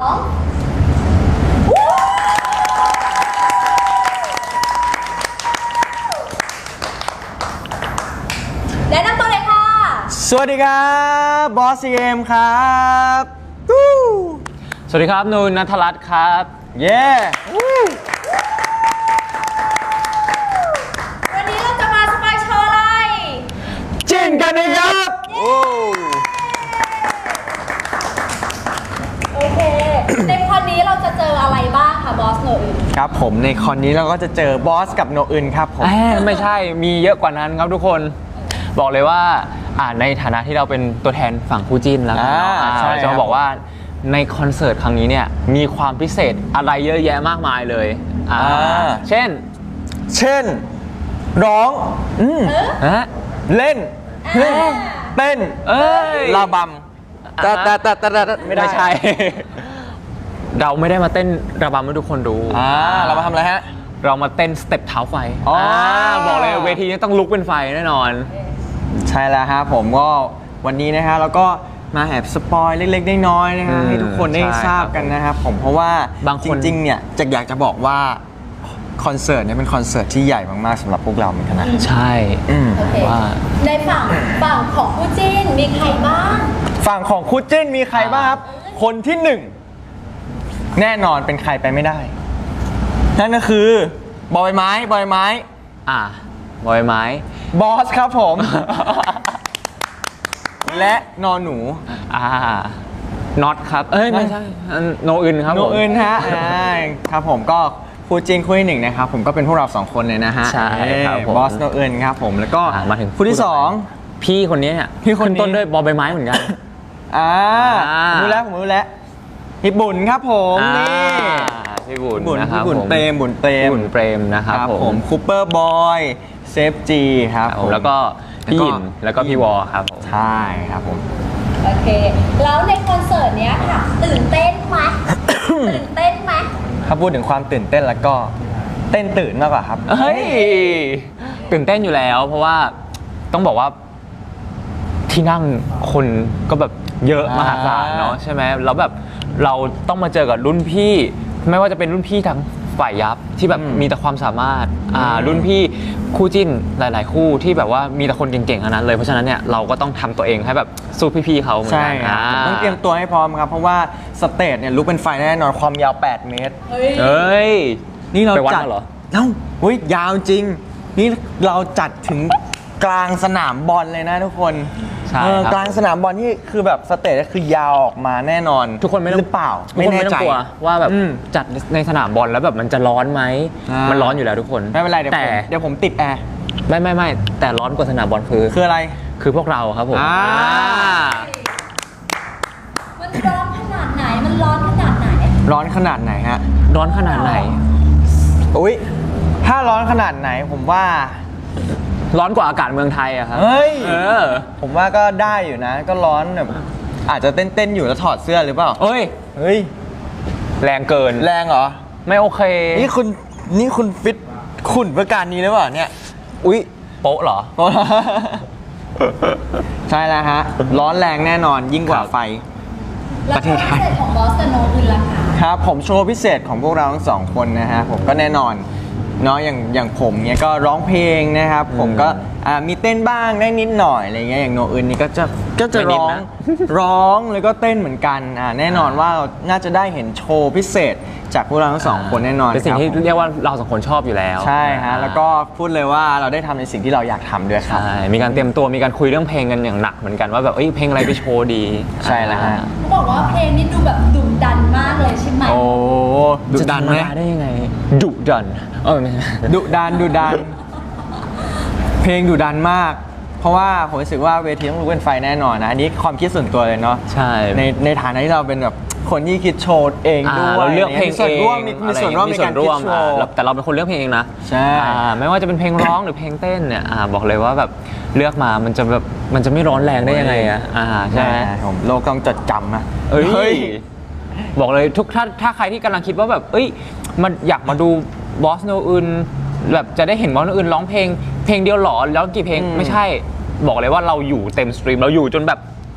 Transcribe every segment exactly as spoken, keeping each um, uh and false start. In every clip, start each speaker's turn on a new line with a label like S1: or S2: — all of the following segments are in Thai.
S1: แนะนำตัวเลยค่ะ
S2: สวัสดีครับบอสซีเอ็มครับ
S3: สวัสดีครับนูนณัฐรัตน์ครับ
S2: เย้
S1: วันนี้เราจะมาสปอยโชว์อะไร
S2: จิ้นกันนะครับ
S1: โอเคในคอนนี้เราจะเจออะไรบ้างคะบอสโนอึน
S2: ครับผมในคอนนี้เราก็จะเจอบอสกับโนอึนครับผม
S3: ไม่ใช่มีเยอะกว่านั้นครับทุกคนบอกเลยว่าในฐานะที่เราเป็นตัวแทนฝั่งคู่จิ้นแล้วเราจะบอกว่าในคอนเสิร์ตครั้งนี้เนี่ยมีความพิเศษอะไรเยอะแยะมากมายเลยเช่น
S2: เช่นร้องเล่นเต้นระบำแต่แต่แต่แต่
S3: ไม่ได้ใช่เราไม่ได้มาเต้นระบำให้ทุกคนดู
S2: เรามาทำอะไรฮะ
S3: เรามาเต้นสเต็ปเท้าไฟบอกเลยเวทีนี้ต้องลุกเป็นไฟแน่นอน
S2: ใช่แล้วครับผมก็วันนี้นะฮะเราก็มาแอบสปอยเล็กๆน้อยๆนะฮะให้ทุกคนได้ทราบกันนะครับผมเพราะว่าจริงๆเนี่ยจะอยากจะบอกว่าคอนเสิร์ตเนี่ยเป็นคอนเสิร์ตที่ใหญ่มากๆสำหรับพวกเราเหมือนกันนะ
S3: ใช่
S1: ว่าในฝั่งฝั่งของคู่จิ้นมีใครบ้าง
S2: ฝั่งของคู่จิ้นมีใครบ้างครับคนที่หนึ่งแน่นอนเป็นใครไปไม่ได้นั่นก็คือบอยไม้บอยไม้
S3: อ่าบอยไม้
S2: บอสครับผมและนอนหนู
S3: อ่าน็อตครับเอ้ยไม่ใช่โนอื่นครับ
S2: โนอื่นฮะครับผมก็คู่จิ้นคู่ที่หนึ่งนะครับผมก็เป็นพวกเราสองคนเลยนะฮะ
S3: ใช่ครับ
S2: บอสโนอื่นครับผมแล้วก็
S3: มาถึง
S2: คู่ที่สอง
S3: พี่คนนี้เนี่ย
S2: พี่คน
S3: ต้นด้วยบอใบไม้เหมือนกัน
S2: อ่ารู้แล้วผมรู้แล้วพี่บุญครับผมนี่
S3: พี่บุญนะครับ
S2: พี่บุญเปรมบุญเปรม
S3: บุญเปรมนะครับ
S2: ผมคูเปอร์บอยเซฟจีครับผม
S3: แล้วก็พี่ยินแล้วก็พี่วอครับผม
S2: ใช่ครับผม
S1: โอเคแล้วในคอนเสิร์ตเนี้ยค่ะตื่นเต้นไหมตื่นเต้นไหม
S2: ถ้าพูดถึงความตื่นเต้นแล้วก็เต้นตื่นมากกว่าครับ
S3: เฮ้ยตื่นเต้นอยู่แล้วเพราะว่าต้องบอกว่าที่นั่งคนก็แบบเยอะมหาศาลเนาะใช่ไหมแล้วแบบเราต้องมาเจอกับรุ่นพี่ไม่ว่าจะเป็นรุ่นพี่ทั้งฝ่ายยับที่แบบมีแต่ความสามารถอ่ารุ่นพี่คู่จิ้นหลายๆคู่ที่แบบว่ามีแต่คนเก่งๆทั้งนั้นเลยเพราะฉะนั้นเนี่ยเราก็ต้องทำตัวเองให้แบบสู้พี่ๆเขาเหมือนกัน
S2: ต้องเตรียมตัวให้พร้อมครับเพราะว่าสเตจเนี่ยลุกเป็นไฟแน่นอนความยาวแปดเมตร
S3: เฮ้ย
S2: นี่เราจัด
S3: เหรอ
S2: เอ้าเฮ้ยยาวจริงนี่เราจัดถึงกลางสนามบอลเลยนะทุกคนกลางสนามบอลที่คือแบบสเตจคือยาวออกมาแน่นอน
S3: ทุกคนไม่ต้อง
S2: เปล่า
S3: ไม่แน่ใจว่าแบบจัดในสนามบอลแล้วแบบมันจะร้อนไหมมันร้อนอยู่แล้วทุกคน
S2: ไม่เป็นไรเดี๋ยวแต่เดี๋ยวผมติดแอร์
S3: ไม่ไม่ไม่แต่ร้อนกว่าสนามบอลคือ
S2: คืออะไร
S1: คือ
S3: พวกเราครับผม
S1: มันร้อนขนาดไหนมันร้อนขนาดไหน
S2: ร้อนขนาดไหนฮะ
S3: ร้อนขนาดไหน
S2: อุ้ยถ้าร้อนขนาดไหนผมว่า
S3: ร้อนกว่าอากาศเมืองไทยอะครับ
S2: เฮ้ยผมว่าก็ได้อยู่นะก็ร้อนแบบอาจจะเต้นๆอยู่แล้วถอดเสื้อหรือเปล่า
S3: เฮ้ย
S2: เฮ้ย
S3: แรงเกิน
S2: แรงเหรอ
S3: ไม่โอเค
S2: นี่คุณนี่คุณฟิตขุ่นเพื่อการนี้หรือเปล่าเนี่ย
S3: อุ๊ยโป๊ะเหรอ
S2: ใช่แล้วฮะร้อนแรงแน่นอนยิ่งกว่าไฟ
S1: ประเทศไทยของบอสโนอื่นล่ะคะ
S2: ครับผมโชว์พิเศษของพวกเราทั้งสองคนนะฮะผมก็แน่นอนเนาะอย่างอย่างผมเนี่ยก็ร้องเพลงนะครับผมก็มีเต้นบ้างได้นิดหน่อยอะไรเงี้ยอย่างโนอื่นนี่ก็จะก็จะร้องร้องแล้วก็เต้นเหมือนกันอ่าแน่นอนว่าเราน่าจะได้เห็นโชว์พิเศษจากพวกเราทั้งสองคนแน่นอน
S3: เป็นสิ่งที่เรียกว่าเราสองคนชอบอยู่แล้ว
S2: ใช่ฮะแล้วก็พูดเลยว่าเราได้ทำในสิ่งที่เราอยากทำด้วยครับ
S3: ใช่มีการเตรียมตัวมีการคุยเรื่องเพลงกันอย่างหนักเหมือนกันว่าแบบเอ้ยเพลงอะไรไปโชว์ดี
S2: ใช่แล้วฮะ
S1: เขาบอกว่าเพลงนี้ดูแบบดุดันมากเลยใช่ไหม
S2: โอ้ดุดันไหม
S3: ได้ยังไงดุดันเออไม่
S2: ดุดันดุดันเพลงดุดันมากเพราะว่าผมรู้สึกว่าเวทีต้องลุกเป็นไฟแน่นอนนะอันนี้ความคิดส่วนตัวเลยเนาะ
S3: ใช่
S2: ในในฐานะที่เราเป็นแบบคนที่คิดโชว์เองด้วย
S3: เราเลือกเพลงเอง
S2: มีส่วนร่วมในการคิดโชว์
S3: แต่เราเป็นคนเลือกเพลงเองนะ
S2: ใช่
S3: ไม่ว่าจะเป็นเพลงร้องหรือเพลงเต้นเนี่ยบอกเลยว่าแบบเลือกมามันจะแบบมันจะไม่ร้อนแรงได้ยังไงอ่ะใช่ไหม
S2: ผมโลกต้องจดจำนะ
S3: เอ้ยบอกเลยทุกถ้าถ้าใครที่กำลังคิดว่าแบบเอ้ยมันอยากมาดูบอสโนอื่นแบบจะได้เห็นบอสโนอื่นร้องเพลงเพลงเดียวหรอแล้วกี่เพลงไม่ใช่บอกเลยว่าเราอยู่เต็มสตรีมเราอยู่จนแบบจ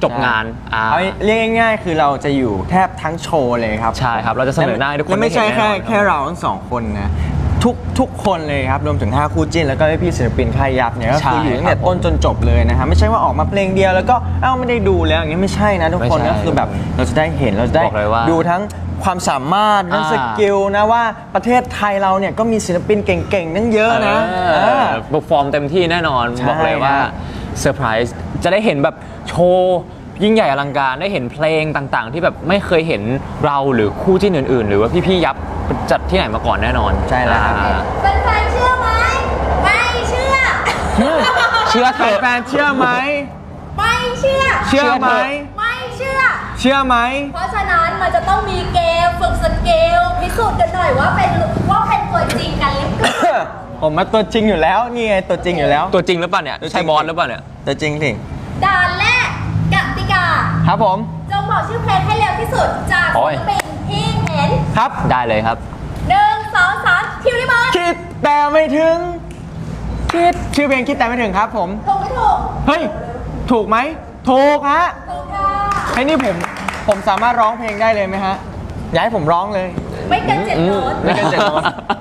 S3: จบงานอ่า
S2: เอาเรียกง่ายๆคือเราจะอยู่แทบทั้งโชว์เลยครับ
S3: ใช่ครับเราจะเสนอหน้าให้ทุกคน
S2: และไม่ใช่
S3: ได้เห็น
S2: แค่
S3: แน่นอน
S2: แค่เราทั้งสองคนนะทุกทุกคนเลยครับรวมถึงห้าคู่จิ้นแล้วก็พี่ศิลปินค่ายยับเนี่ยก็คืออยู่ตั้งแต่ต้นจนจบเลยนะฮะไม่ใช่ว่าออกมาเพลงเดียวแล้วก็เอ้าไม่ได้ดูแล้วอย่างนี้ไม่ใช่นะทุกคนก็คือแบบเราจะได้เห็นเราจะได้ดูทั้งความสามารถทั้งสกิลนะว่าประเทศไทยเราเนี่ยก็มีศิลปินเก่งๆนั่งเยอะนะ
S3: เปอร์ฟอร์มเต็มที่แน่นอน
S2: ใช่
S3: บอกเลยว่า
S2: ครับ
S3: เซอร์ไพรส์จะได้เห็นแบบโชว์ยิ่งใหญ่อลังการได้เห็นเพลงต่างๆ ที่แบบไม่เคยเห็นเราหรือคู่จิ้นอื่นๆ หรือว่าพี่ๆยับจัดที่ไหนมาก่อนแน่นอน
S2: ใช่แล้วครับ
S3: อ่า
S1: เป็นแฟนเชื่อไหมไม่เชื่อ
S3: เชื่อเถอะ
S2: แฟนๆเชื่อไหม
S1: ไม่เชื่อ
S2: เชื่อไหม
S1: ไม่เชื่อ
S2: เชื่อไหม
S1: เพราะฉะนั้นมันจะต้องมีเกมฝึกสเกลพิสูจน์กันหน่อยว่าเป็นว่าเป็นตัวจริงกันหรือเปล่า
S2: ผมมาตัวจริงอยู่แล้วนี่ไงตัวจริงอยู่แล้ว
S3: ตัวจริงหรือเปล่าเนี่ย
S2: ตัวจริง
S3: ใช่บอสหรือเปล่าเนี่ย
S2: ตัวจริงสิ
S1: ด่านแรกกติกา
S2: ครับผม
S1: จงบอกชื่อเพลงให้เร็วที่สุดจาก
S3: โอ้
S1: ศิ
S3: ย
S1: ลปินที่เห็น
S2: ครับ
S3: ได้เลยครับ
S1: หนึ่งสองสามคิวริบอล
S2: คิดแต่ไม่ถึงคิดชื่อเพลงคิดแต่ไม่ถึงครับผม
S1: ถูกไม่ถูก
S2: เฮ้ยถูกไหมถูกฮะ
S1: ถูกค่ะ
S2: ไอ้นี่ผมผมสามารถร้องเพลงได้เลยไหมฮะอยากให้ผมร้องเลย
S1: ไม่เกินเจ็ดโน้ต
S2: ไม่เกินเจ็ดโน้ต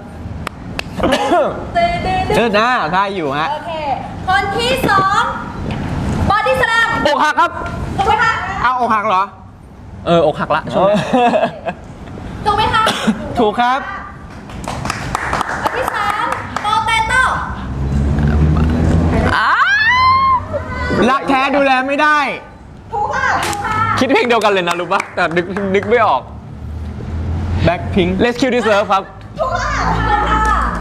S1: ตื่นตื่น
S2: เออหน้าได้อยู่ฮะ
S1: โอเค คนที่สองบอดี้สแลม
S3: อกหักครับ
S1: ถูกไหมคะ
S2: เอาอกหักเหรอ
S3: เอออกหักละช่วงนี้
S1: ถูกไหมคะ
S2: ถูกครับ
S1: คนที่สามโปเตโต้
S2: รักแท้ดูแลไม่ได้
S1: ถูกค่ะถูกค่ะ
S3: คิดเพลงเดียวกันเลยนะรู้ปะแต่นึกนึกไม่ออก
S2: แบ็คพิง
S3: Let's Kill This Love ครับ
S1: ถูกค่ะถูกค่ะ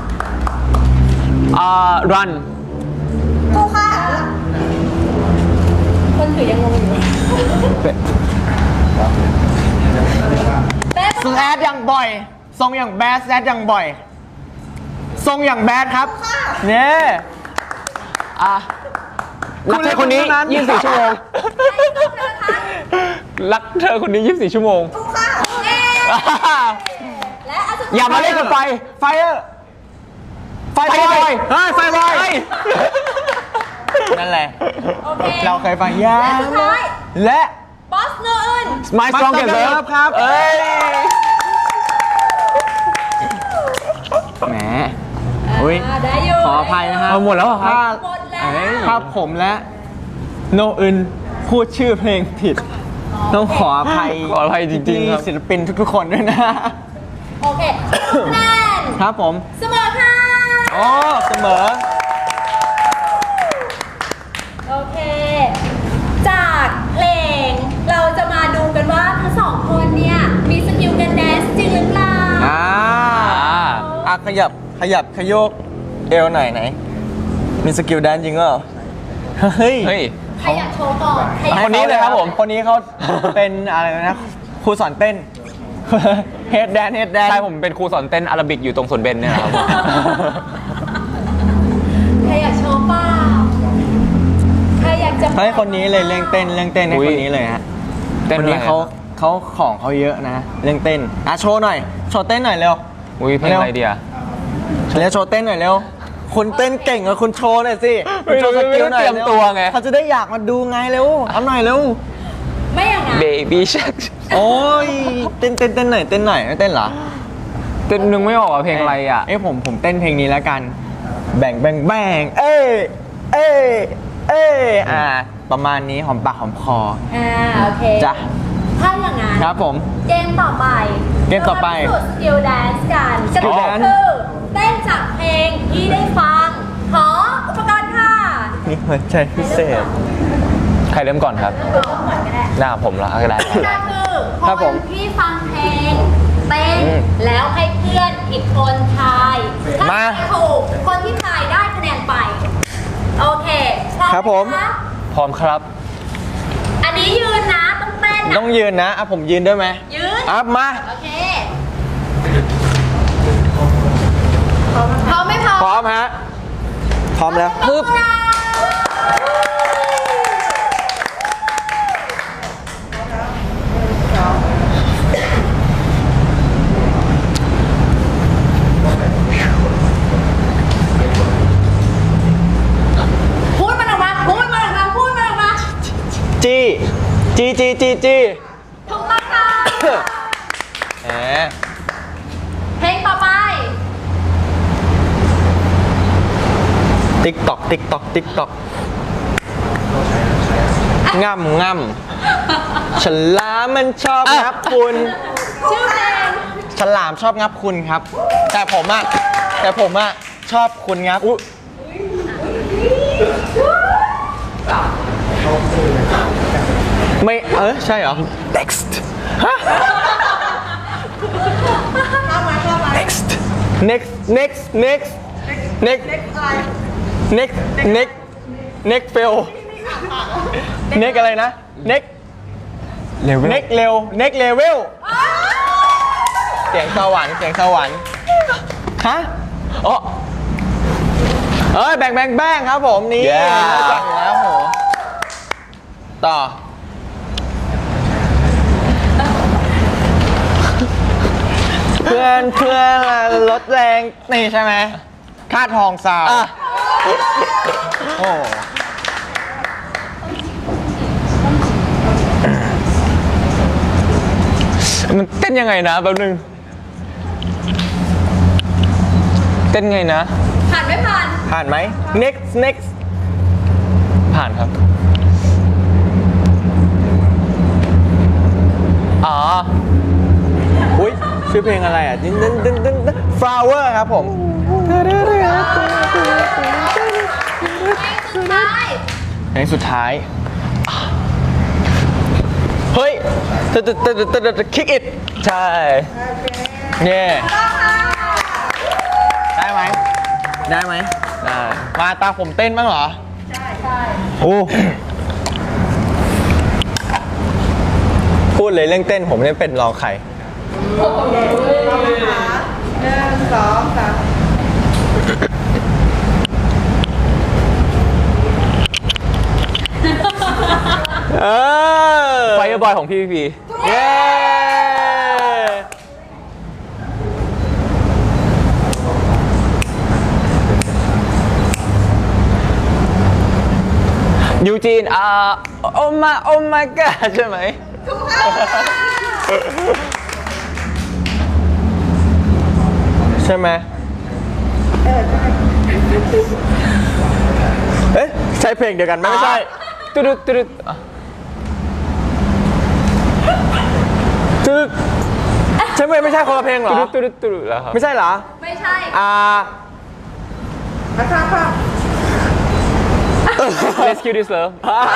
S3: อ่า Run
S1: ถูกค่ะคนถือยังงงอยู่เป๊ะ
S2: สแอดอย่างบ่อย ทรงอย่างแบดแซดอย่างบ่อย ทรงอย่างแบดครับเนี่ย
S3: อ่ะรักเธอคนนี้
S2: คุณเล่นเท่านั้น
S3: ยี่สิบสี่ชั่วโมง รักเธอคนนี้ยี่สิบสี่ชั่วโมง
S1: ถูกค่ะเอ๊และอันสุดท้าย
S3: อย่ามาเล่นกับไฟ
S2: ไฟเออร์ไฟ
S3: ไฟ
S2: บ
S3: บ
S2: อ
S3: อย ย
S2: เฮ้ยไฟบอย
S3: เฮ้ย
S2: นั่นแหละ
S1: โอเค
S2: เราเคยฟังยา
S1: และสุดท้าย
S2: และ
S1: บอสโนอื่น
S3: My Strongest
S2: Strongest
S3: Love
S2: Love ครับ
S3: เอ้ย
S2: แหมอุ้ย
S1: อ่าได้อยู่
S2: ขออภัยนะฮะ
S3: เอาหมดแล้วเหรอครับ
S2: ถ้า
S1: หมดแล้ว
S2: เอ้ยถ้าผมและโนอึนพูดชื่อเพลงผิด ต้องขออภัย
S3: ขออภัยจริงๆครับ
S2: พี่ศิลปินทุกๆคนด้วยนะ
S1: โอเคคะแนน
S2: ครับผม
S1: เสมอค่ะ
S2: โอ้เสมอ
S1: โอเค จากเพลงเราจะมาดูกันว่าทั้งสองคนเนี่ย มีสกิลการแดนซ์จริงหรือเปล่า
S2: อ่า อ่ะขยับขยับขยกเอวหน่อยไหน มีสกิลแดนจริงเหรอ เฮ้ย
S3: เฮ้ย
S1: ใครอยากโชว์ก่อนใครอยาก
S3: คนนี้เลยครับผม
S2: คนนี้เขาเป็นอะไรนะครูสอนเต้น เฮดแดนเฮดแดน
S3: ใช่ผมเป็นครูสอนเต้นอาราบิกอยู่ตรงสวนเบนเนี่ยนะครับ
S1: ใครอยากโชว์เปล่าใครอยากจะ
S2: เฮ้ยคนนี้เลยเรื่องเต้นเรื่องเต้นให้
S3: อุ๊ย
S2: คนนี้เลยฮะ
S3: เต้น
S2: คน
S3: อะไร
S2: นี้เขา
S3: ครับ
S2: เขาของเขาเยอะนะ เรื่องเต้นอ่ะโชว์หน่อยโชว์เต้นหน่อยเร็ว
S3: อุ้ยเพลงอะไรเดีย
S2: เร็วโชว์เต้นหน่อยเร็วคุณเต้นเก่งอะคุณโชว์หน่อยสิคุณโชว์สกิลหน่อย
S3: ไม่ได้เตรียมตัวไง
S2: เขาจะได้อยากมาดูไงเร็วเอาหน่อยเร็ว
S1: ไม่อย่างนั้น
S3: Baby Shark
S2: โอ้ยเต้นเต้นเต้นหน่อยเต้นหน่อยไม่เต้นเหรอ
S3: เต้นนึงไม่ออกอะเพลงอะไรอ่ะ
S2: เอ้ยผมผมเต้นเพลงนี้แล้วกัน แบ่งแบ่งแบ่งเอ้ยเอ้ยเอ้ยอ่าประมาณนี้หอมปากหอมคอ
S1: อ่าโอเค
S2: จ้ะ
S1: ถ้าอย่างนั้น
S2: ครับผม
S1: เกมต่อไป
S2: เกมต่อไป
S1: รามาพิสูจน์สกิลแดนซ์กันก
S2: Skill
S1: ติกา
S2: Dance
S1: คือเต้นจากเพลงที่ได้ฟัง ขออุปกรณ์ค่ะ
S2: นี่หัวใจพิเศษ
S3: ใครเริ่มก่อนครับ
S1: เริ่มก่อนก็ได้
S3: หน้าผมละก็ได้
S1: กติกาคือ
S2: ครับ
S1: ค
S2: ผม
S1: นที่ฟังเพลงเต้น
S2: อืม
S1: แล้วให้เพื่อนอีกคนทายถ้า
S2: มา
S1: ทายถูกคนที่ทายได้คะแนนไป โอเคพร้อม
S2: ครับผม
S1: ไหะ
S3: พร้อมครับ
S1: อันนี้ยืนนะต้องเต้นนะ
S2: ต้องยืนนะอ่ะผมยืนด้วยไหม
S1: ยืน
S2: อ่ะมา
S1: โอเคพร้อมไหมพร้อม
S2: พร้อมฮะพร้อมแล้ว
S1: ปึ๊บพูดมันออกมาพูดมันออกมาพูดมันออกมา
S2: จี้จีจีจี
S1: ถูกต้องค่ะ
S2: แหม
S1: เพลงต่อไป
S2: ติ๊กตอกติ๊กตอกติ๊กตอกง่ำง่ำฉลามมันชอบงับคุณ
S1: ชื่อเพลง
S2: ฉลามชอบงับคุณครับ แต่ผมอะแต่ผมอะชอบคุณงับอุ๊ยไม่เออใช่เหรอ next ฮะ next next next next next next next next fail next อะไรนะ next
S3: เร็ว
S2: next เร็ว next level เสียงสวรรค์เสียงสวรรค์ฮะอ๋อเอ้ยแบ่งแบ่งแบ่งครับผมนี่
S3: Yeah
S2: รู้จักอยู่แล้วโหต่อ เพื่อนเพื่อนลดแรงนี่ใช่ไหมค่าทองสาว
S3: อ่ะ
S2: โอ้
S3: มันเต้นยังไงนะแป๊บนึงเต้นไงนะ
S1: ผ่านไม่ผ่าน
S2: ผ่านไหม next next
S3: ผ่านครับอ๋อ
S2: อุ้ยชื่อเพลงอะไรอ่ะดึงดึงดึงดึง flower ครับผม
S1: สุดท้าย
S2: เพลงสุดท้าย เฮ้ยตะตะตะตะตะตะ kick it
S3: ใช่
S2: เนี่ยได้ไหมได้ไหม
S3: ได้
S2: มาตาผมเต้นบ้างเหรอ
S1: ใช่ใช่
S2: โอ้พูดเลยเรื่องเต้นผมไม่เป็นรองใคร
S4: หนึ่งสองสาม
S2: เออ
S3: ไฟบอยของพี่พี
S2: เย้
S3: ยูจีนอ่าโอมาโอมากาใช่ไหม
S2: ใช่ไหมเอ๊ะใช่เพลงเดียวกันไหมไม่ใช่
S3: ตุดุดตุดุดอ่ะ
S2: คือใช่ไหมไม่ใช่คนละเพลงเหร
S3: ตุ
S2: อ
S3: ดุดตุดุดตุดุดแล้วครับ
S2: ไม่ใช่เหรอ
S1: ไม่ใช่
S2: อ่า
S4: มาข้ามข้าม
S3: Rescue this love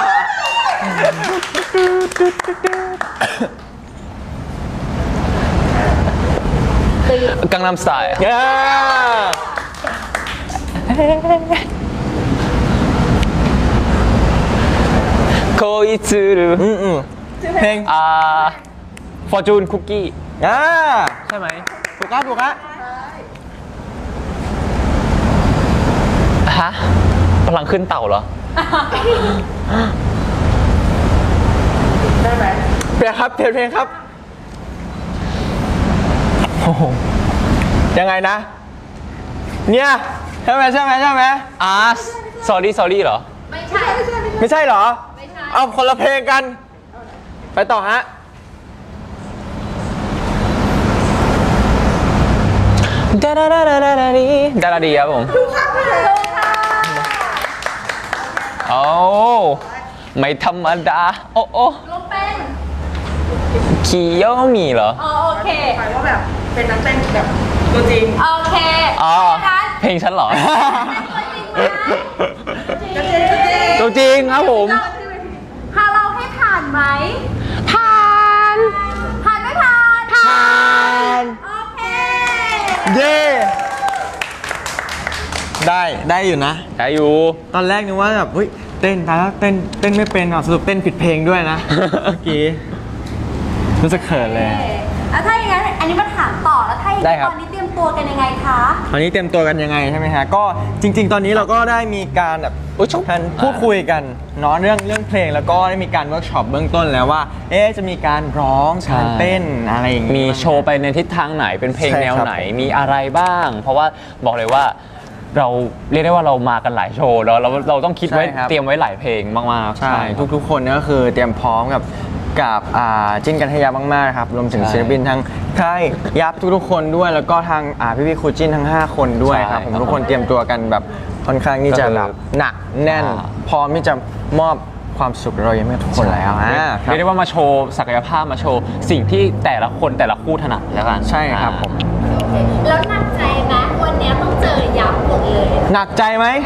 S3: กังนัมสไตล์
S2: เย้
S3: โคอิつる
S2: อืมอืมเพลง
S3: อ่า Fortune Cookie
S2: อ่า
S3: ใช่ไหม
S2: ถูกครับถูกครับ
S3: ฮะพลังขึ้นเต่าเหรอ
S4: ได้ไหม
S2: เพลงครับเพลงเพลงครับโอ้โหยังไงนะ เนี่ยใช่ไหมใช่ไหมใช่ไหม
S3: อ่า sorry sorry เหรอ
S1: ไม่ใช่
S2: ไม่ใช่เหรอ
S1: ไม่ใช่
S2: เอาคนละเพลงกัน ไปต่อฮะ
S3: ดาดาดาดาดาดาดีดาดาดีครับผม
S1: ถูกค่ะ
S3: โอ้ไม่ธรรมดา โอ้โอ้
S1: ลงเป็น
S3: คิโยมีเหรอ
S1: อ๋อโอเค
S4: หมายว่าแบบเป็นนักเต้นแบบตัวจริง
S1: โอเค
S3: อ๋อ
S1: งั้น
S3: เพลงฉันเหรอ
S1: เป็นตัวจริงไหม
S3: ตัวจริงครับผม
S1: พาเราให้ผ่านไหม
S3: ผ่าน
S1: ผ่านไม่ผ่าน
S2: ผ่าน
S1: โอเค
S2: เย้ได้ได้อยู่นะ
S3: ได้อยู่
S2: ตอนแรกนึกว่าแบบเฮ้ยเต้นแต่แล้วเต้นเต้นไม่เป็นอ่ะสรุปเต้นผิดเพลงด้วยนะ เมื่อกี้รู้สึกเขินเลย
S1: แล้วถ้าอย่างนั้นอันนี้มาถามต่อแล้วถ้าอย่าง
S3: ได้
S1: นั้น
S3: ครับ
S1: ตอนนี้เตรียมตัวกันยังไงคะ
S2: ตอนนี้เตรียมตัวกันยังไงใช่ไหมฮะก็จริง ๆ ตอนนี้เราก็ได้มีการแบบ
S3: อุ๊ยชุบ
S2: การพูดคุยกันเนาะเรื่องเรื่องเพลงแล้วก็ได้มีการเวิร์กช็อปเบื้องต้นแล้วว่า เอ๊ะจะมีการร้อง
S3: ใช่
S2: การเต้นอะไรอย่างงี้
S3: มีโชว์ไปในทิศทางไหนเป็นเพลง
S2: ใช่
S3: แนว
S2: ครับ
S3: ไหนมีอะไรบ้าง เพราะว่าบอกเลยว่าเราเรียกได้ว่าเรามากันหลายโชว์แล้วเราเราต้องคิดไว้
S2: ใช่ครับ
S3: เตรียมไว้หลายเพลงมากๆ
S2: ใช่ทุกๆคนเนี่ยก็คือเตรียมพร้อมกับกับอ่าจิ้นกันให้ยับมากๆครับรวมถึง
S3: ใช่
S2: ศิลปินทั้งค่ายยับทุกๆคนด้วย แล้วก็ทางอ่าพี่ๆครูจิ้นทั้งห้าคนด้วยครับ
S3: ใช่
S2: ผม
S3: ครับ
S2: ทุกคนเตรียมตัวกันแบบค่อนข้างที่จะ
S3: ก็คือ
S2: แบบหนักแน่น
S3: อ่า
S2: พร้อมที่จะมอบความสุขเรายังไม่ให้ทุกคนแล้วอ่าค
S3: เรี
S2: รั
S3: ยกได้
S2: บ
S3: ว่ามาโชว์ศักยภาพมาโชว์สิ่งที่แต่ละคนแต่ละคู่ถนัดแล้วกัน
S2: ใช่ครับผม
S1: โอเคแล้วหนักใจไหมวันเนี้ยต้องเจอยับหมดเลย
S2: หนักใจไหม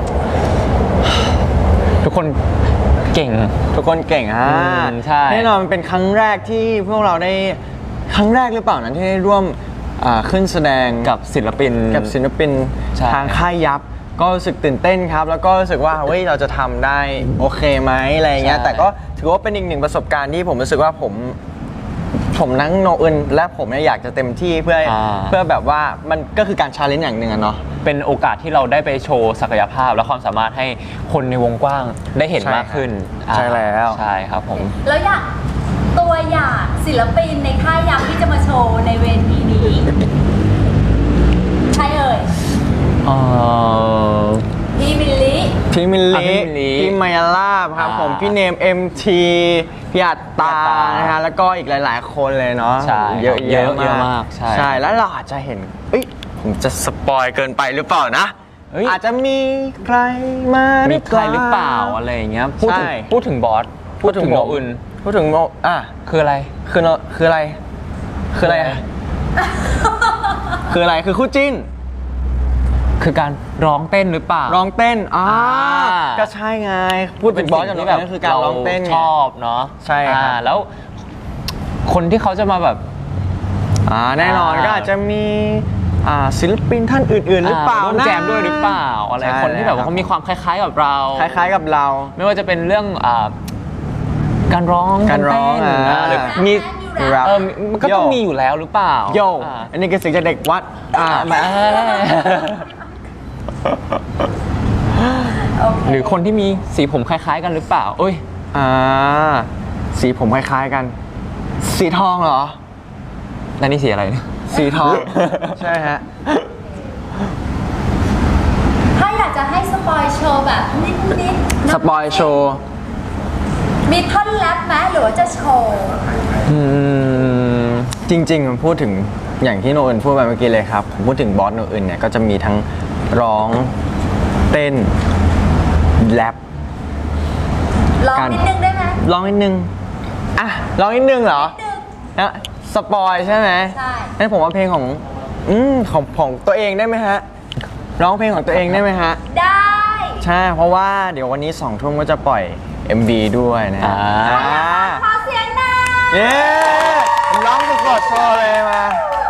S3: ทุกคนเก่ง
S2: ทุกคนเก่งอ่ะ
S3: อืมใช่
S2: แน่นอนมันเป็นครั้งแรกที่พวกเราได้ครั้งแรกหรือเปล่านั้นที่ได้ร่วมอ่าขึ้นแสดง
S3: กับศิลปิน
S2: กับศิลปิน
S3: ใช่
S2: ทางค่ายยับ ก็รู้สึกตื่นเต้นครับ แล้วก็รู้สึกว่าเฮ้ยเราจะทำได้โอเคไหมอะไรเงี้ยแต่ก็ถือว่าเป็นอีกหนึ่งประสบการณ์ที่ผมรู้สึกว่าผมผมนั่งโนอึนและผมเนี่ยอยากจะเต็มที่เพื่ออา เพื่อแบบว่ามันก็คือการชาเลนจ์อย่างหนึ่งอะเนาะ
S3: เป็นโอกาสที่เราได้ไปโชว์ศักยภาพและความสามารถให้คนในวงกว้างได้เห็น
S2: ใช่
S3: มากขึ้น
S2: ใช่แล้ว
S3: ใช่ครับผม
S1: แล้วอยากตัวอย่างศิลปินในค่ายยับที่จะมาโชว์ในเวทีนี้ใครเอ่ย
S3: เอ่อ
S1: พี่มิลลิ
S2: พี่มิล
S3: อ่ะ
S2: ลิ
S3: พี่มิลลิ
S2: พี่มายาลาบครับ
S3: อ่า
S2: ผมพี่เนม เอ็ม ที พี่อัตตา
S3: พี่อัตตาน
S2: นะฮะแล้วก็อีกหลาย ๆ คนเลยเนาะ
S3: ใช่
S2: เยอะ
S3: เยอะ
S2: แยะ
S3: เยอะ
S2: มาม
S3: าก กใช่
S2: ใช่แล้วเราอาจจะเห็นเอ้ยผมจะสปอยเกินไปหรือเปล่านะ
S3: เอ้ย
S2: อาจจะมีใครมา
S3: มี
S2: มี
S3: ใครหรือเปล่าอะไรอย่างเงี้ยพูดถึง
S2: ใช่
S3: พูดถึงบอสพูดถึงโนอื่น
S2: พูดถึงโนอ่ะ
S3: คืออะไร
S2: คือโนคืออะไร คืออะไรอะคืออะไรคือคู่จิ้น
S3: คือการร้องเต้นหรือเปล่า
S2: ร้องเต้นอ่า
S3: อ่า
S2: ก็ใช่ไงพูดถึงบอสกับโน
S3: ที่
S2: อื่นก็คือการร้องเต้นไง
S3: ชอบเนาะ
S2: ใช่ครับ
S3: อ่าแล้วคนที่เขาจะมาแบบ
S2: อ่าแน่นอน
S3: อ่า
S2: ก็อาจจะมีอ่าศิลปินท่านอื่น ๆ หรือเปล่า
S3: ร่วม
S2: นะ
S3: แจมด้วยหรือเปล่าอะไร
S2: ใช่
S3: คนที่แบบว่าเขามีความคล้าย ๆ กับเรา
S2: คล้าย ๆ กับเรา
S3: ไม่ว่าจะเป็นเรื่องอ่าการร้อง
S2: การร้อง
S3: เต้น
S2: อ่า
S3: หรือมี
S2: แรป
S3: เออมันก็ต้อง
S2: โย่
S3: มีอยู่แล้วหรือเปล่า
S2: โย
S3: อ่า
S2: อันนี้คือเสิ่งจากเด็กวัดอ่า
S3: มา
S1: โอเค
S3: หรือคนที่มีสีผมคล้าย ๆ กันหรือเปล่าเอ้ย
S2: อ่าสีผมคล้าย ๆ กัน สีทองเหรอ
S3: แล้วนี่สีอะไรเนี่ย
S2: สีทอง ใช่ฮะ
S1: ถ้าอยากจะให้สปอยโชว์แบบนิดๆ
S2: สปอยโชว์
S1: มีท่อนแรปไหมหรือว่าจะโชว์
S3: อืม
S2: จริงๆผมพูดถึงอย่างที่โนอื่นพูดไปเมื่อกี้เลยครับ ผมพูดถึงบอสโนอื่นเนี่ยก็จะมีทั้งร้องเต้นแรป
S1: ลอง
S2: การ
S1: นิดนึงได้ไหม
S2: ร้องนิดนึง อ่ะร้องนิดนึงเหรอ
S1: นิดนึง
S2: นะสปอยใช่ไหม
S1: ใช่
S2: งั้นผมว่าเพลงของ อืมของของตัวเองได้ไหมฮะ ร้องเพลงของตัวเองได้ไหมฮะ
S1: ได้
S2: ใช่ เพราะว่าเดี๋ยววันนี้สองทุ่มก็จะปล่อย เอ็ม วี ด้วยนะฮะ
S3: อ่า
S2: อ่า
S1: ขอเสียงหน่อย
S2: เย้ผมร้องสดๆโชว์เลยมา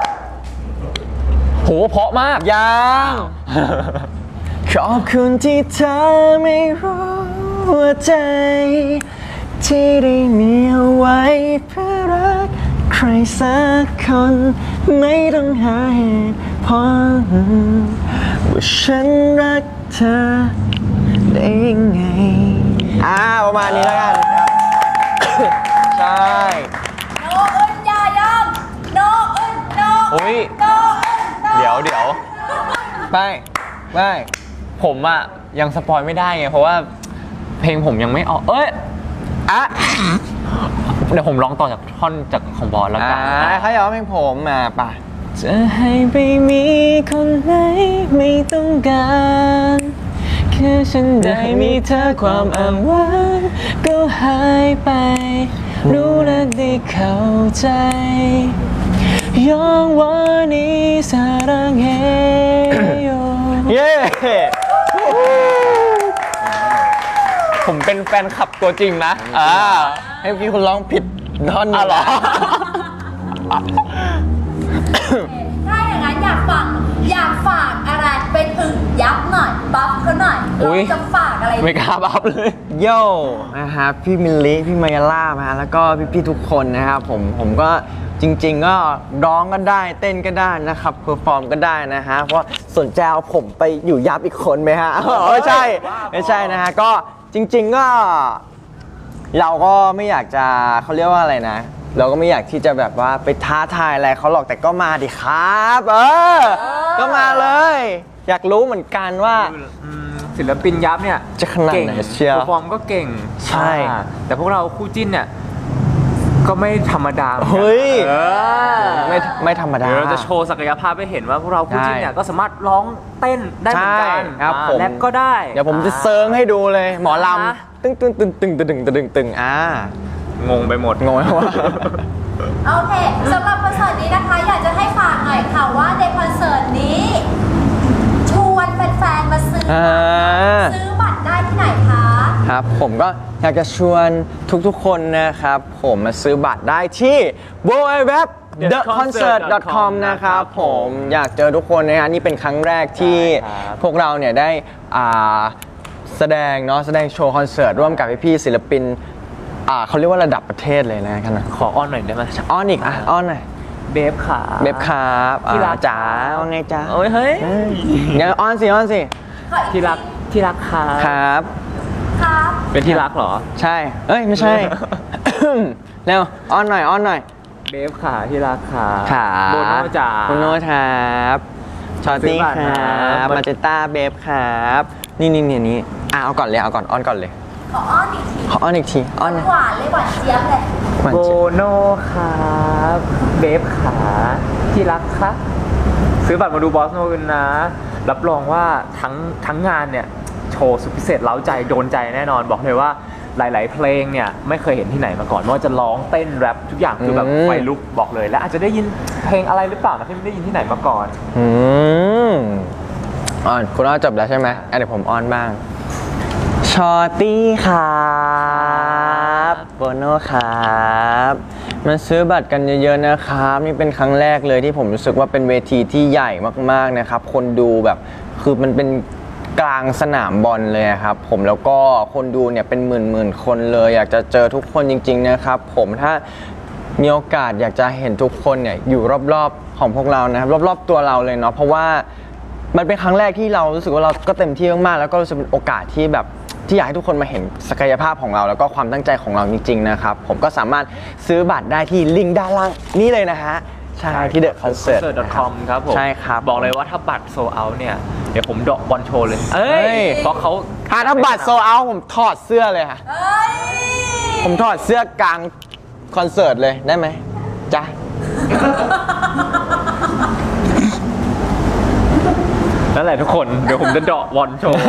S3: โหเพราะมาก
S2: ยัง ขอบคุณที่เธอไม่รู้ว่าใจ ที่ได้มีเอาไว้เพื่อรักใครสักคนไม่ต้องหาเหตุผลว่าฉันรักเธอได้ยังไงอ่าประมาณนี้แล้วกันครับ ใช่
S1: โนอึนอย่ายอมโนอึนโน
S3: อุ๊ย
S1: โนอึนโน
S3: เดี๋ยวเดี๋ยว
S2: ไปไป
S3: ผมอะยังสปอยไม่ได้ไง เพราะว่าเพลงผมยังไม่ออก เอ้ย
S2: อ่ะ
S3: เดี๋ยวผมร้องต่อจากท่อนจากของบอสแล้ว
S2: อ่า
S3: กัน
S2: เขาอยากร้องเพลงผมมาป่ะ
S3: จะให้ไปมีคนไหนไม่ต้องการแค่ฉันได้มีเธอความอ้างว้างก็หายไป รู้และได้เข้าใจยองวานิสารังเฮโย
S2: เย้
S3: ผมเป็นแฟนคลับตัวจริงนะ อ่า
S2: ให้เมื่อกี้คุณร้องผิดท่อนหนึ่
S3: อ่ะ
S2: ง
S3: เหรอ
S1: ถ้าอย่างนั้นอยากฝากอยากฝากอะไรไปถึงยับหน่อยบัฟเขาหน่อย
S3: อุ๊
S1: เรา
S3: ย
S1: จะฝากอะไร
S3: ไม่กล้าบัฟเลย
S2: โย่นะครับพี่มิลลิพี่มายาล่านะฮะแล้วก็พี่ๆทุกคนนะครับผมผมก็จริง ๆ ก็ร้องก็ได้เต้นก็ได้นะครับเพอร์ฟอร์มก็ได้นะฮะเพราะสนใจเอาผมไปอยู่ยับอีกคนไหมฮะอ๋อไม่ใช่ไม่ใช่นะฮะก็จริง ๆก็ เราก็ไม่อยากจะเขาเรียกว่าอะไรนะ เราก็ไม่อยากที่จะแบบว่าไปท้าทายอะไรเขาหรอกแต่ก็มาดิครับเออก็มาเลย อยากรู้เหมือนกันว่า
S3: ศิลปินยับเนี่ย
S2: จะขนาดไหน
S3: ก่ง
S2: เชียว
S3: เพอร์ฟอร์มก็เก่ง
S2: ใช่
S3: อ่าแต่พวกเราคู่จิ้นเนี่ยก็ไม่ธรรมดาหมือนกัน
S2: เฮ้ย
S3: เออ
S2: ไม่ไม่ธรรมดา
S3: เดี๋ยวเราจะโชว์ศักยภาพให้เห็นว่าพวกเราคู่จิ้นเนี่ย
S2: ใช่
S3: ก็สามารถร้องเต้นได้เหมือนกัน
S2: ใช่ครับ
S3: อ่า
S2: ผม
S3: แรปก็ได้
S2: เดี๋ยวผมจะเซิร์งให้ดูเลย หมอล
S3: อ่า
S2: ำตึ้งตึ้งตึ้งตึ้งตึ้งตึ้งตึ้งตึ้งอ่าง
S3: งไปหมด
S2: งงไหมวะ
S1: โอเคสำหรับคอนเสิร์ตนี้นะคะ อยากจะให้ฝากหน่อยค่ะว่าในคอนเสิร์ตนี้ชวนแฟนๆมาซื้อ
S2: อ่า
S1: ซื้อบัตรได้ที่ไหนคะ
S2: ครับผมก็อยากจะชวนทุกๆคนนะครับ ผมมาซื้อบัตรได้ที่ ดับเบิลยู ดับเบิลยู ดับเบิลยู ดอท เดอะ คอนเสิร์ต ดอท คอม นะครับผมอยากเจอทุกคนนะฮะนี่เป็นครั้งแรกที่
S3: ใช่ครับ
S2: พวกเราเนี่ยได้อ่าแสดงเนาะแสดงโชว์คอนเสิร์ตร่วมกับพี่ๆศิลปินอ่าเขาเรียกว่าระดับประเทศเลยนะครับ
S3: ขออ้อนหน่อยได้ไหม
S2: อ้อนอีกอ่ะอ้อนหน่อย
S3: เบฟขา
S2: เบบครับอ่า
S3: ที่รัก
S2: จ๋าว่าไงจ๋า
S3: โอ้ยเฮ้ย
S2: เอ้ยงั้นอ้อนสิอ้อนสิ
S1: ขออี
S3: ที่รักที่รักขา
S2: ครับ
S1: ครับ
S3: เป็นที่รักเหรอ
S2: ใช่ เอ้ย ไม่ใช่ เร็ว อ้อนหน่อย อ้อนหน่อย
S3: เบฟขาที่รักขา
S2: ขา
S3: โบโนจ๋า
S2: โบโนครับชอตตี้
S3: ซื้อบัตร
S2: ค
S3: นะ
S2: รับ
S3: มัน
S2: มาเจต้าเบฟครับ นี่นี่นี่นี่อ่ะเอาก่อนเลย เอาก่อน อ้อนก่อนเลย
S1: ขออ้อนอีกที
S2: ขออ้อนอีกที อ้อน
S1: หวานเลยหวานเจี๊ยบเลย
S2: หวาน
S3: โบ
S2: เจี๊ยบ
S3: โนครับเบฟขาที่รักครับซื้อบัตรมาดูบอสโนกันนะ รับรองว่าทั้งทั้งงานเนี่ย โชว์สุดพิเศษเล้าใจโดนใจแน่นอนบอกเลยว่าหลาย ๆ เพลงเนี่ยไม่เคยเห็นที่ไหนมาก่อนไม่ว่าจะร้องเต้นแรปทุกอย่างคือแบบ
S2: อืม
S3: ไฟลุกบอกเลย และอาจจะได้ยินเพลงอะไรหรือเปล่านะที่ไม่ได้ยินที่ไหนมาก่อน
S2: อืมอ้อนคุณอ้อนจบแล้วใช่ไหมอ่ะเดี๋ยวผมอ้อนบ้าง ชอตตี้ครับโบโน่ครับมาซื้อบัตรกันเยอะๆนะครับ นี่เป็นครั้งแรกเลยที่ผมรู้สึกว่าเป็นเวทีที่ใหญ่มากๆนะครับ คนดูแบบคือมันเป็นกลางสนามบอลเลยอะครับ ผมแล้วก็คนดูเนี่ยเป็นหมื่นๆคนเลย อยากจะเจอทุกคนจริง ๆนะครับ ผมถ้ามีโอกาสอยากจะเห็นทุกคนเนี่ยอยู่รอบๆของพวกเรานะครับรอบๆตัวเราเลยเนาะเพราะว่ามันเป็นครั้งแรกที่เรารู้สึกว่าเราก็เต็มที่มากๆแล้วก็รู้สึกเป็นโอกาสที่แบบที่อยากให้ทุกคนมาเห็นศักยภาพของเราแล้วก็ความตั้งใจของเราจริงๆนะครับผมก็สามารถซื้อบัตรได้ที่ลิงก์ด้านล่างนี่เลยนะฮะใช่ที่เดอะคอนเสิร์ต
S3: ดอทคอมครับผม
S2: ใช่ครับ
S3: บอกเลยว่าถ้าบัตรโซเอาเนี่ย เดี๋ยวผมเดอกบอลโชว์เลย
S2: เอ้ย
S3: เพราะเขา
S2: อ่ะถ้าบัตรโซเอาผมถอดเสื้อเลยค่ะ
S1: เอ้ย
S2: ผมถอดเสื้อกลางคอนเสิร์ตเลยได้ไหมจ๊ะ
S3: นั่นแหละทุกคน เดี๋ยวผมจะเดอกบอลโชว์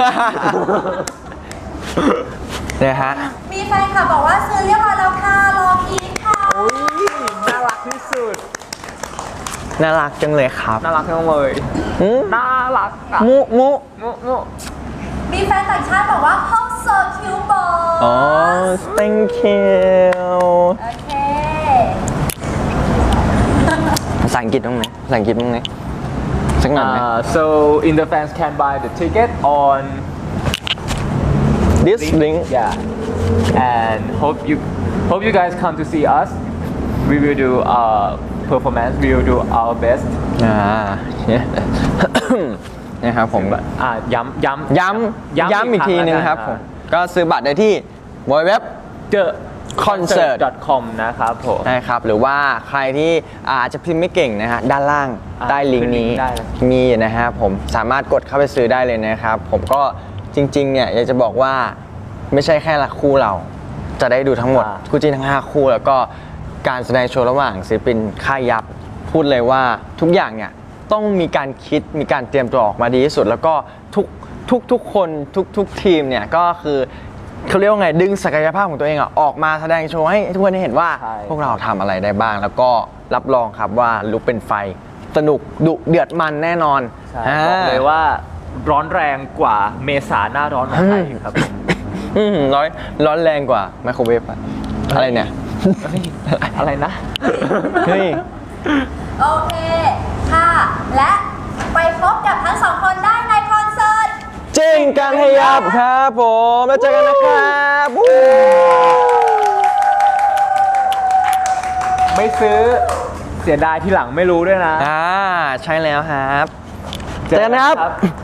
S2: เนี่ยฮะ
S1: มีแฟนคลับบอกว่าซื้อเรียบร้อยแล้วค่ะรอพีคค่ะ
S3: น่ารักที่สุด
S2: น่ารักจังเลยครับ
S3: น่ารักทั้งเลย
S2: อืม
S3: น่ารักอะ
S2: มุมุ
S3: มุมุ
S1: มีแฟนต่างชาติบอกว่าห้องโซคิวบอล
S2: อ๋อ thank you
S1: โอเค
S2: ภาษาอังกฤษต้องไหมภาษาอังกฤษต้องไหมสักหน่อยไหม
S3: Uh, so in the fans can buy the ticket on
S2: this link
S3: yeah and hope you hope you guys come to see us we will do our performance we will do our best
S2: อ่า นะครับผม
S3: อ่าย้ำย้ำ
S2: ย้ำย้ำอีกทีนึงครับผม ก็ซื้อบัตรได้ที่เว็บ
S3: เจอ
S2: concert
S3: .com นะครับผม
S2: นะครับ หรือว่าใครที่อาจจะพิมพ์ไม่เก่งนะฮะ ด้านล่าง
S3: อ่า
S2: ใต้ลิงก์นี้
S3: ขึ้นลิงก์ได้เลย
S2: มีนะฮะผมสามารถกดเข้าไปซื้อได้เลยนะครับ ผมก็จริงๆเนี่ยอยากจะบอกว่าไม่ใช่แค่ละคู่เรา จะได้ดูทั้งหมด คู่จิ้นทั้งห้าคู่ แล้วก็การแสดงโชว์ระหว่างศิลปินค่ายยับ พูดเลยว่าทุกอย่างเนี่ยต้องมีการคิดมีการเตรียมตัวออกมาดีที่สุด แล้วก็ทุกทุกทุกคนทุกทุกทีมเนี่ยก็คือเขาเรียกว่าไงดึงศักยภาพของตัวเองอะออกมาแสดงโชว์ให้ทุกคนได้เห็นว่า
S3: ใช่
S2: พวกเราทำอะไรได้บ้าง แล้วก็รับรองครับว่าลุกเป็นไฟสนุกดุเดือดมันแน่นอน
S3: ใช่บอกเลยว่าร้อนแรงกว่าเมษาหน้าร้อนของไทยอีกครับผม
S2: อืมร้อนร้อนแรงกว่าไมโครเวฟอะอะไรเนี่ย
S3: เฮ้ยอะไรนะ
S2: เฮ้ย
S1: โอเค ค่ะ และไปพบกับทั้งสองคนได้ในคอนเสิร์ต
S2: จิ้นกันให้ยับครับผมแล้วเจอกันนะครับวู้
S3: ไม่ซื้อเสียดายที่หลังไม่รู้ด้วยนะ
S2: อ่าใช่แล้วครับ เจอกันนะครับ